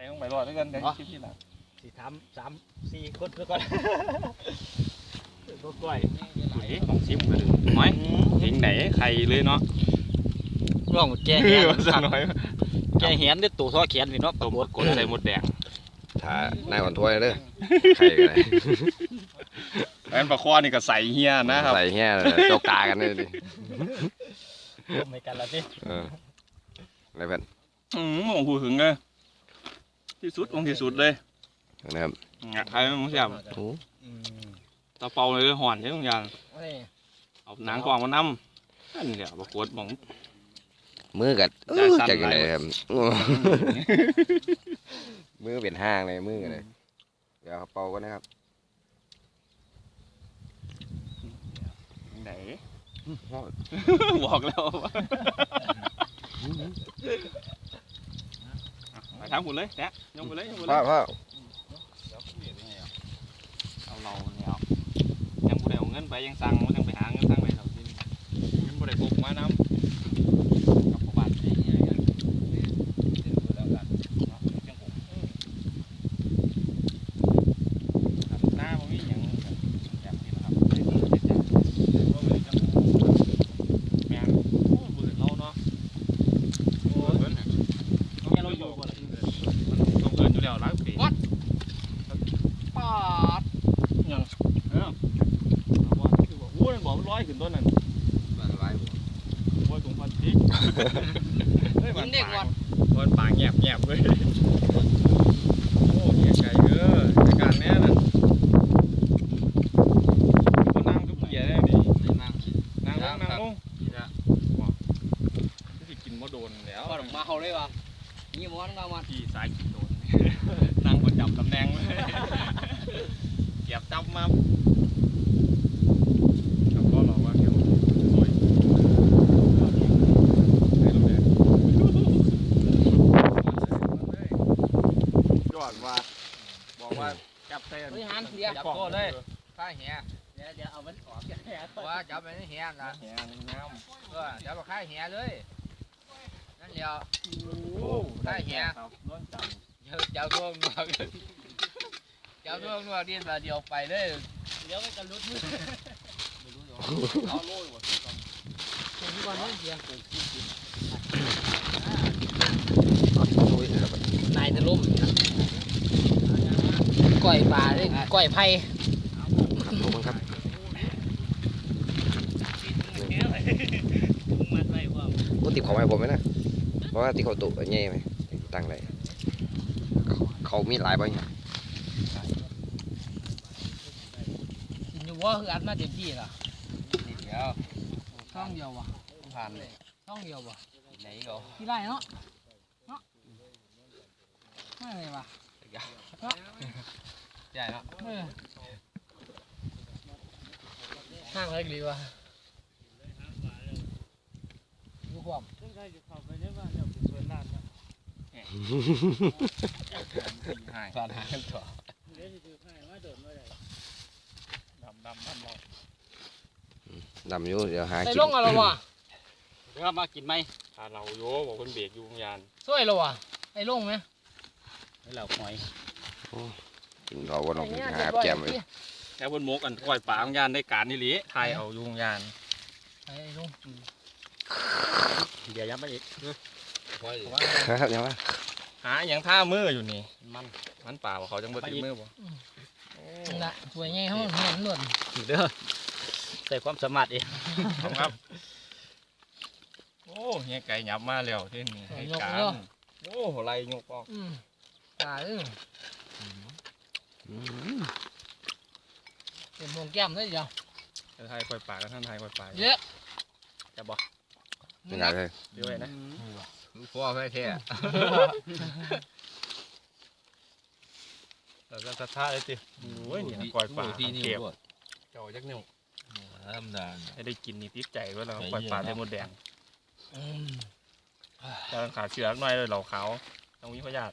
ต้องไปรอดด้วยกันเดี๋ยวคลิปที่หลังสีทำ3-4 คนก่อนก็กล้วยของซิมกันเลยน้อยทิ้งไหนใครเลยเนาะร่องแกเหียนน้อยแกเหียนด้วยตัวท่อแขนนี่เนาะตัวกดใส่หมดแดงถ้านายอ่อนถ้วยเด้อใครกันแอนปลาคอนี่ก็ใส่เฮียนะครับใส่เฮียโจกตากันเลยดิร่วมในกันละสิอะไรเพื่อนมองหูหึงเลยที่สุดของที่สุดเลยนะครับใครมึงเสียบตะเปาเลยห่อนใช่ทุกอย่างเอาหนังกวางมานั่มนั่นเดี๋ยวปรากฏมองมือกัดจากยังไงครับมือเป็นห้างเลยมือกันเลยเดี๋ยวเป่ากันนะครับไหนบอกแล้วไปทางหุ่นเลยแจ๊ะยกไปเลยยกไปเลยพ่อเอาเราเนี่ยยังบ่ได้เอาเงินไปยังสั่งมันยังไปหาเงินสั่งไปเราที่ยังบ่ได้พกมาน้ำกับบ้านไอ้เงี้ยแล้วกันหน้ามันมีอย่างแบบนี้นะครับแม่โอ้บืนเราเนาะโอ้เบิ้ลเนี่ยเราอยู่บ่ล่ะต้องเกินอยู่แล้วล้างปีวัดปาดยังโอ้ยบอกมันร้อยขึ้นต้นนั่นโอ้ยถุงพลาสติกกินเด็กวันวันปากแงบเลยโอ้เหี้ยไก่เด้อจัดการแน่น่ะก็นั่งทุกเหี้ยได้ดินั่งลงที่กินมะโดนแล้วก็มาเขาเลยวะนี่ม้วนก็มาที่สายกินโดนนั่งประจำตำแหน่งเลยเก็บจับมาก็รอว่าเกี่ยวสวยยอดว่าบอกว่าจับเส้นจับก้นเลยข้าเหี้ยเดี๋ยวเอามันออกแค่ว่าจับไปนี่เหี้ยนะเหี้ยน้ำจับไปข้าเหี้ยเลยนั่นเดียวข้าเหี้ยเจ้าท่วงนัวดินมาเดียวไปเลยเดี๋ยวไม่กันรุดมือเอาโล่ยว่ะที่วันนี้เสียงนายจะล่มก้อยปลาเลยก้อยไผ่ครับกูติดของไอ้ผมไหมนะเพราะว่าที่เขาตุ่นเงี้ยไหมตั้งเลยเขามีหลายใบอยู่ว่าคืออัดมาเต็มที่ล่ะเดียวช่องเดียววะผ่านเลยช่องเดียววะไหนก็ที่ไรเนาะไม่เลยวะใหญ่เนาะห้างเล็กดีวะดูความผ่านหากันต่อดำอยู่เดี๋ยวหากินไอ้ลงอะไรวะเดี๋ยวมากินไหมถ้าเราโย่บอกคนเบรกอยู่ยานช่วยเราวะไอ้ลงไหมให้เราหอยกินเราวันออกหาแก้มเลยแค่บนมกอันก้อยป่าของยานได้การนี่หรือไทยเอาอยู่ยานไอ้ลงเดี๋ยวยับไปอีกครับยังไงหาอย่างท่ามืออยู่นี่มันเปล่าเขาจังบ่ติดมือบ่น่ะสวยไงเขาเห็นหล่นเด้อใส่ความสามารถเองครับโอ้เฮียไก่หยับมาแล้วที่นี่ให้การโอ้ไรยกออกตายเป็นวงแก้มได้ยังไทยปล่อยปลาแล้วท่านไทยปล่อยปลาเยอะจะบอกยังไงเลยด้วยนะพ่อแค่เราจะทัดท่าเลยสิโอ้ยเนี่ยปล่อยปลาเก็บเจ้าจักนิ้วธรรมดาให้ได้กินนี่ติดใจว่าเราปล่อยปลาได้หมดแดงจะขาเชือกหน่อยเลยเหล่าขาวต้องมีพยาธิ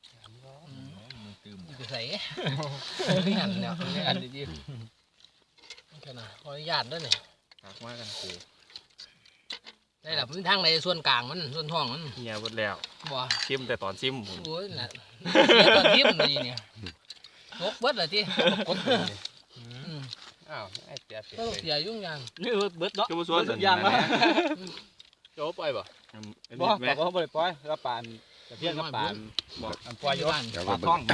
จะใส่หันเนี่ยอันดีๆขนาดขออนุญาตด้วยเนี่ยหักมากกันคือได้แบบมันทางในส่วนกลางมันส่วนท้องมันเฮียหมดแล้วบ่ชิมแต่ตอนชิมผมโอ้ยน่ะเสียตอนทิ่มเลยเนี่ยตกเบิดเลยที่อ้าวไอ้เสียเสียก็ต้องเสียยุ่งยากนี่เบิดเนาะก็มาส่วนทุกอย่างมาโจ้ปล่อยบ่บ่ปากเขาบ่ได้ปล่อยแล้วปานตะเพียนกับปานบอกอันปล่อยอยู่เดี๋ยวปก็ลาเบิ่ท้องง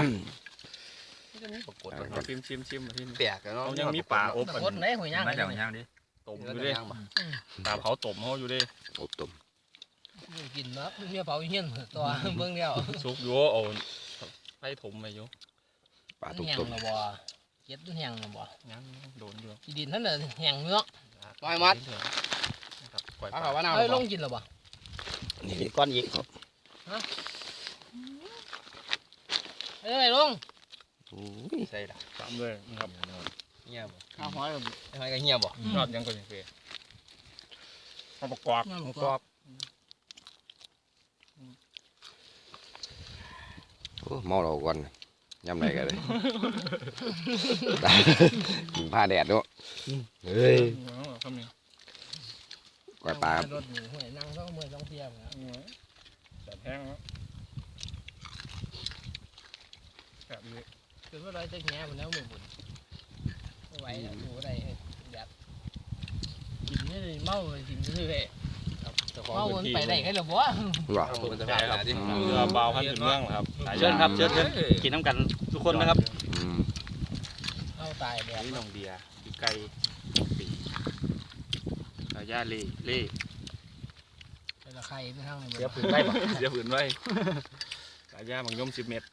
เอาชิมมาที่นี่แปลกเนาะเขายังมีป่าอบคนไหนหัวย่างไม่กันเดี๋ยวย่างดิต้มอยู่ดิป่าเผาต้มเขาอยู่ดิอบตุ่มกินเนาะเมียเผาเฮี้ยนตัวเบิ่งแล้วซุกอยู่เอาไฟถมไปอยู่ปลาตุ่มแห้งตุ่มแล้วบ่เก็ดแห้งแล้วบ่ยังโดนอยู่อีดินท่านน่ะแห้งเนาะปล่อยมัดนะครับปล่อยเอาปเขาลาว่าน้ำเอ้ยลงกินแล้วบ่นี่อีกก้อนอีกเอ้ยลงโอ้ยใส่ละตามด้วยนะครับเงียบข้าวหอยทำไมก็เงียบบ่ยอดยังก็ยังเฟยข้าวประกอบน้ำกรอบโอ้เมาเราก่อนยำไรกันเลยกินผ้าแดดด้วยเฮ้ยคำนี้ก้อยปลาครับรถนี่ห้วยนั่งต้องมือต้องเทียบนะแบบแห้งแล้วแบบนี้คือว่าเราจะแง่มันแล้วมือบุญไม่ไหวแล้วอยู่ได้แบบกินนี่เมากินนี่เลยเมามันไปได้แค่ละบ่ว่ามันจะพาไปที่เรือเบาขั้นถึงเมืองครับเชิญครับเชิญกินน้ำกันทุกคนนะครับอืมเอาตายแบบนี่น้องเบียร์พี่ไก่ปีกาย่าเล่เป็นละใครไม่ทั้งเลยเดี๋ยวผืนได้บ่เดี๋ยวฝืนไว้กาย่าบางย่อม10 เม็ด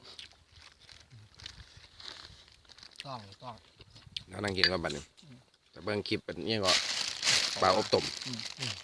ต้องแล้วนั่งกินก็บัดนี้แต่เบิ่งคลิปเป็นนี่ก็ปลาอบตุ่มอืม